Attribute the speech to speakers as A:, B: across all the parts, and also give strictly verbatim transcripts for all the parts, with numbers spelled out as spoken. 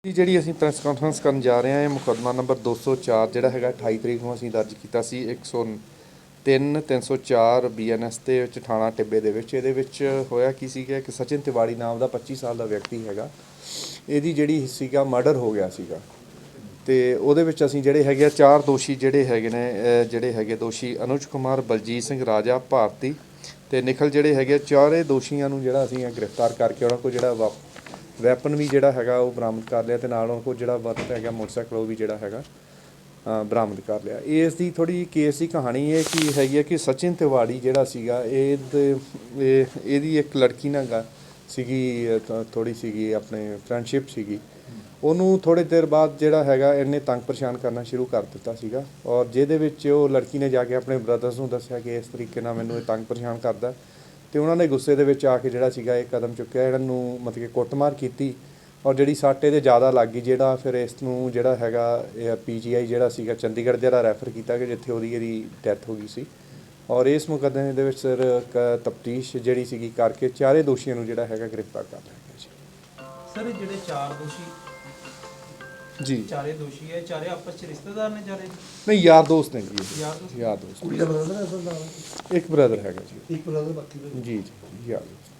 A: ਜੀ ਜਿਹੜੀ ਅਸੀਂ ਪ੍ਰੈਸ ਕਾਨਫਰੰਸ ਕਰਨ ਜਾ ਰਹੇ ਹਾਂ ਇਹ ਮੁਕੱਦਮਾ ਨੰਬਰ ਦੋ ਸੌ ਚਾਰ ਜਿਹੜਾ ਹੈਗਾ ਅਠਾਈ ਤਰੀਕ ਨੂੰ ਅਸੀਂ ਦਰਜ ਕੀਤਾ ਸੀ ਇੱਕ ਸੌ ਤਿੰਨ ਤਿੰਨ ਸੌ ਚਾਰ ਬੀ ਐਨ ਐਸ ਦੇ ਵਿੱਚ ਥਾਣਾ ਟਿੱਬੇ ਦੇ ਵਿੱਚ। ਇਹਦੇ ਵਿੱਚ ਹੋਇਆ ਕੀ ਸੀਗਾ ਕਿ ਸਚਿਨ ਤਿਵਾੜੀ ਨਾਮ ਦਾ ਪੱਚੀ ਸਾਲ ਦਾ ਵਿਅਕਤੀ ਹੈਗਾ, ਇਹਦੀ ਜਿਹੜੀ ਸੀਗਾ ਮਰਡਰ ਹੋ ਗਿਆ ਸੀਗਾ ਅਤੇ ਉਹਦੇ ਵਿੱਚ ਅਸੀਂ ਜਿਹੜੇ ਹੈਗੇ ਆ ਚਾਰ ਦੋਸ਼ੀ ਜਿਹੜੇ ਹੈਗੇ ਨੇ ਅਹ ਜਿਹੜੇ ਹੈਗੇ ਦੋਸ਼ੀ ਅਨੁਜ ਕੁਮਾਰ, ਬਲਜੀਤ ਸਿੰਘ, ਰਾਜਾ ਭਾਰਤੀ ਅਤੇ ਨਿਖਲ ਜਿਹੜੇ ਹੈਗੇ ਚਾਰੇ ਦੋਸ਼ੀਆਂ ਨੂੰ ਜਿਹੜਾ ਅਸੀਂ ਗ੍ਰਿਫਤਾਰ ਕਰਕੇ ਉਹਨਾਂ ਕੋਲ ਜਿਹੜਾ ਵਾ ਵੈਪਨ ਵੀ ਜਿਹੜਾ ਹੈਗਾ ਉਹ ਬਰਾਮਦ ਕਰ ਲਿਆ ਅਤੇ ਨਾਲ ਉਹਨਾਂ ਕੋਲ ਜਿਹੜਾ ਵਰਤ ਹੈਗਾ ਮੋਟਰਸਾਈਕਲ ਉਹ ਵੀ ਜਿਹੜਾ ਹੈਗਾ ਬਰਾਮਦ ਕਰ ਲਿਆ। ਇਸ ਦੀ ਥੋੜ੍ਹੀ ਜਿਹੀ ਕੇਸ ਦੀ ਕਹਾਣੀ ਇਹ ਕੀ ਹੈਗੀ ਹੈ ਕਿ ਸਚਿਨ ਤਿਵਾੜੀ ਜਿਹੜਾ ਸੀਗਾ ਇਹ ਇਹਦੀ ਇੱਕ ਲੜਕੀ ਨਾਲ ਗਾ ਸੀਗੀ, ਥੋੜ੍ਹੀ ਸੀਗੀ ਆਪਣੇ ਫਰੈਂਡਸ਼ਿਪ ਸੀਗੀ। ਉਹਨੂੰ ਥੋੜ੍ਹੇ ਦੇਰ ਬਾਅਦ ਜਿਹੜਾ ਹੈਗਾ ਇਹਨੇ ਤੰਗ ਪਰੇਸ਼ਾਨ ਕਰਨਾ ਸ਼ੁਰੂ ਕਰ ਦਿੱਤਾ ਸੀਗਾ ਔਰ ਜਿਹਦੇ ਵਿੱਚ ਉਹ ਲੜਕੀ ਨੇ ਜਾ ਕੇ ਆਪਣੇ ਬ੍ਰਦਰਸ ਨੂੰ ਦੱਸਿਆ ਕਿ ਇਸ ਤਰੀਕੇ ਨਾਲ ਮੈਨੂੰ ਇਹ ਤੰਗ ਪਰੇਸ਼ਾਨ ਕਰਦਾ ਅਤੇ ਉਹਨਾਂ ਨੇ ਗੁੱਸੇ ਦੇ ਵਿੱਚ ਆ ਕੇ ਜਿਹੜਾ ਸੀਗਾ ਇਹ ਕਦਮ ਚੁੱਕਿਆ, ਇਹਨਾਂ ਨੂੰ ਮਤਲਬ ਕਿ ਕੁੱਟਮਾਰ ਕੀਤੀ ਔਰ ਜਿਹੜੀ ਸੱਟ ਇਹਦੇ ਜ਼ਿਆਦਾ ਲੱਗ ਗਈ, ਜਿਹੜਾ ਫਿਰ ਇਸ ਨੂੰ ਜਿਹੜਾ ਹੈਗਾ ਇਹ ਪੀ ਜੀ ਆਈ ਜਿਹੜਾ ਸੀਗਾ ਚੰਡੀਗੜ੍ਹ ਜਿਹੜਾ ਰੈਫਰ ਕੀਤਾ ਕਿ ਜਿੱਥੇ ਉਹਦੀ ਇਹਦੀ ਡੈਥ ਹੋ ਗਈ ਸੀ। ਔਰ ਇਸ ਮੁਕੱਦਮੇ ਦੇ ਵਿੱਚ ਸਰ ਤਫਤੀਸ਼ ਜਿਹੜੀ ਸੀਗੀ ਕਰਕੇ ਚਾਰੇ ਦੋਸ਼ੀਆਂ ਨੂੰ ਜਿਹੜਾ ਹੈਗਾ ਗ੍ਰਿਫਤਾਰ ਕਰ ਲਿਆ ਗਿਆ ਜੀ।
B: ਸਰ ਜਿਹੜੇ ਚਾਰ ਦੋਸ਼ੀ
A: ਜੀ
B: ਚਾਰੇ ਦੋਸ਼ੀ ਹੈ, ਚਾਰੇ ਆਪਸ ਚ ਰਿਸ਼ਤੇਦਾਰ ਨੇ ਚਾਰੇ?
A: ਨਹੀਂ, ਯਾਰ ਦੋਸਤ ਨੇ ਜੀ,
B: ਯਾਰ ਦੋਸਤ
A: ਯਾਰ ਦੋਸਤ।
C: ਕੁੜੀ ਦਾ ਬ੍ਰਦਰ ਹੈ ਅਸਲ ਨਾਲ?
A: ਇੱਕ ਬ੍ਰਦਰ ਹੈਗਾ ਜੀ।
C: ਇੱਕ ਬ੍ਰਦਰ ਬਾਕੀ ਦੇ
A: ਜੀ ਜੀ ਯਾਰ ਦੋਸਤ।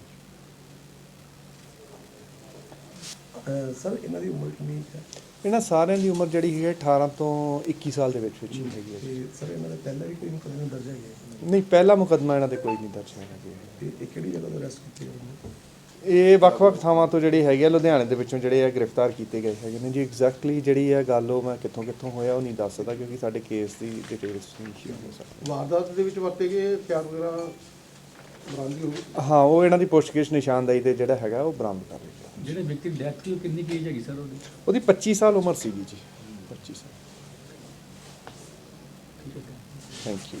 C: ਸਰ ਇਹਨਾਂ ਦੀ ਉਮਰ ਕਿੰਨੀ ਹੈ?
A: ਇਹਨਾਂ ਸਾਰਿਆਂ ਦੀ ਉਮਰ ਜਿਹੜੀ ਹੈ ਅਠਾਰਾਂ ਤੋਂ ਇੱਕੀ ਸਾਲ ਦੇ ਵਿੱਚ ਵਿੱਚ ਹੀ ਹੈਗੀ ਹੈ ਜੀ।
C: ਤੇ ਸਰ ਇਹਨਾਂ ਦੇ ਪਹਿਲਾਂ ਵੀ ਕੋਈ ਮੁਕੱਦਮੇ ਦਰਜ ਹੈਗੇ?
A: ਨਹੀਂ, ਪਹਿਲਾ ਮੁਕੱਦਮਾ ਇਹਨਾਂ ਦੇ ਕੋਈ ਨਹੀਂ ਦਰਜ ਹੈਗਾ ਜੀ।
C: ਤੇ ਇਹ ਕਿਹੜੀ ਜਗ੍ਹਾ ਤੋਂ ਅਰੈਸਟ ਕੀਤੇ ਗਏ ਨੇ?
A: ਇਹ ਵੱਖ-ਵੱਖ ਥਾਵਾਂ ਤੋਂ ਜਿਹੜੇ ਹੈਗੇ ਆ ਲੁਧਿਆਣੇ ਦੇ ਵਿੱਚੋਂ ਜਿਹੜੇ ਆ ਗ੍ਰਿਫਤਾਰ ਕੀਤੇ ਗਏ ਹੈਗੇ ਨੇ ਜੀ। ਐਗਜ਼ੈਕਟਲੀ ਜਿਹੜੀ ਹੈ ਗੱਲ ਉਹ ਮੈਂ ਕਿੱਥੋਂ ਕਿੱਥੋਂ ਹੋਇਆ ਉਹ ਨਹੀਂ ਦੱਸ ਸਕਦਾ ਕਿਉਂਕਿ ਸਾਡੇ ਕੇਸ ਦੀ ਡਿਟੇਲਸ ਨਹੀਂ ਸ਼ੇਅਰ ਹੋ ਸਕਦੀ।
C: ਵਾਰਦਾਤ ਦੇ ਵਿੱਚ ਵਰਤੇ ਗਏ ਹਥਿਆਰ ਵਗੈਰਾ ਬਰਾਮਦ ਹੋ ਗਏ?
A: ਹਾਂ, ਉਹ ਇਹਨਾਂ ਦੀ ਪੁੱਛਗਿੱਛ ਨਿਸ਼ਾਨਦਾਈ ਤੇ ਜਿਹੜਾ ਹੈਗਾ ਉਹ ਬਰਾਮਦ ਕਰ ਲਿਆ।
D: ਜਿਹੜੇ ਵਿਅਕਤੀ ਦੀ ਡੈਥ ਹੋਈ ਉਹ ਕਿੰਨੀ ਏਜ ਹੈਗੀ ਸਰ ਉਹਦੀ?
A: ਉਹਦੀ ਪੱਚੀ ਸਾਲ ਉਮਰ ਸੀਗੀ ਜੀ। ਪੱਚੀ ਸਾਲ। Thank you.